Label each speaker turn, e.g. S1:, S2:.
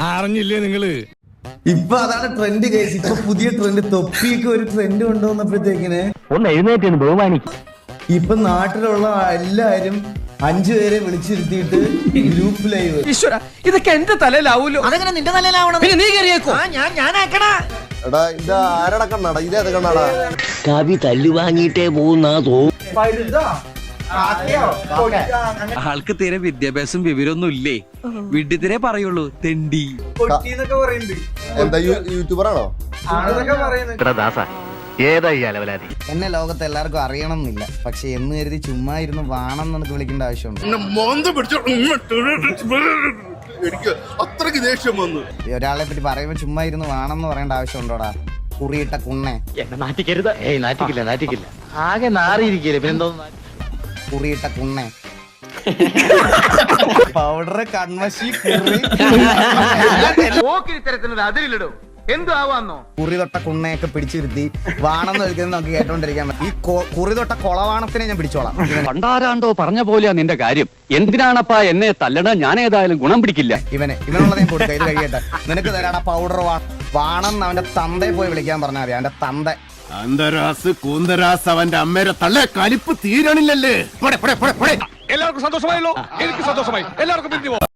S1: അറിഞ്ഞില്ലേ നിങ്ങള്?
S2: ഇപ്പൊ അതാണ് ട്രെൻഡ് കേസ്. ഇപ്പൊ പുതിയ ട്രെൻഡ്, തൊപ്പിയൊക്കെ ഒരു ട്രെൻഡ് കൊണ്ടുവന്നപ്പോഴത്തേക്കിന്
S3: ഒന്ന് എഴുന്നേറ്റ് ബഹുമാനിക്കും.
S2: ഇപ്പൊ നാട്ടിലുള്ള എല്ലാരും 5 പേരെ വിളിച്ചിരുത്തിയിട്ട് ഗ്രൂപ്പ് ലൈവ്.
S4: ഈശ്വര, ഇതൊക്കെ എന്റെ തലയിലാവൂലോ?
S5: അതെങ്ങനെ നിന്റെ തലയിലാവണം?
S4: പിന്നെ നീ കയറിയേക്കോ?
S5: ഞാനാക്കടാ.
S6: എടാ ഇത് ആരട കണ്ണാടാ? ഇതേത് കണ്ണാടാ?
S3: കവി തല്ലു വാങ്ങിയിട്ടേ പോകുന്ന തോന്നുന്നു.
S4: ആൾക്ക് തീരെ വിദ്യാഭ്യാസം വിവരമൊന്നും ഇല്ലേ? വിഡ്ഢിത്തിരെ പറയുള്ളൂ, തെണ്ടി.
S6: എന്താ യൂട്യൂബറാണോ?
S5: എന്നെ ലോകത്ത് എല്ലാവർക്കും അറിയണം എന്നില്ല, പക്ഷെ എന്ന് കരുതി ചുമ്മാ ഇരുന്ന് വാണം എന്നൊക്കെ വിളിക്കേണ്ട ആവശ്യമുണ്ട്.
S6: എനിക്ക് അത്രക്ക് ദേഷ്യം വന്നു.
S5: ഒരാളെ പറ്റി പറയുമ്പോ ചുമ്മാ ഇരുന്ന് വാണം എന്ന് പറയേണ്ട ആവശ്യമുണ്ടോടാ? കുറിയിട്ട കുണ്ണെ.
S3: എന്നെ നാറ്റിക്കരുത്. നാറ്റിക്കില്ല. ആകെ നാറിയിരിക്കല്ലേ, പിന്നെന്തോ
S5: കുറിയിട്ട കുണ്ണെ. പൗഡർ, കൺമഷി, കുറി തൊട്ട കുണ്ണയൊക്കെ പിടിച്ചിരുത്തി വാണെന്ന് വിളിക്കുന്നത് നമുക്ക് കേട്ടോണ്ടിരിക്കാൻ പറ്റും. ഈ കുറി തൊട്ട കൊളവാണത്തിനെ ഞാൻ പിടിച്ചോളാം.
S7: പണ്ടാരാണ്ടോ പറഞ്ഞ പോലെയാ നിന്റെ കാര്യം. എന്തിനാണപ്പാ എന്നെ തല്ലണ? ഞാൻ ഏതായാലും ഗുണം പിടിക്കില്ല.
S5: ഇവനുള്ളത് ഞാൻ കൊടുക്കാം, ഇത് കഴിയട്ടെ. നിനക്ക് തരാടാ പൗഡർ വാണെന്ന് അവന്റെ തന്തയെ പോയി വിളിക്കാൻ പറഞ്ഞാൽ മതി. അവന്റെ തന്ത
S1: അന്തരാസ് കൂന്തരാസ് അവന്റെ അമ്മേരെ തള്ളേ കലിപ്പ് തീരണില്ലല്ലേ?
S4: എല്ലാവർക്കും സന്തോഷമായല്ലോ? എനിക്ക് സന്തോഷമായി. എല്ലാവർക്കും പിരിഞ്ഞു പോ.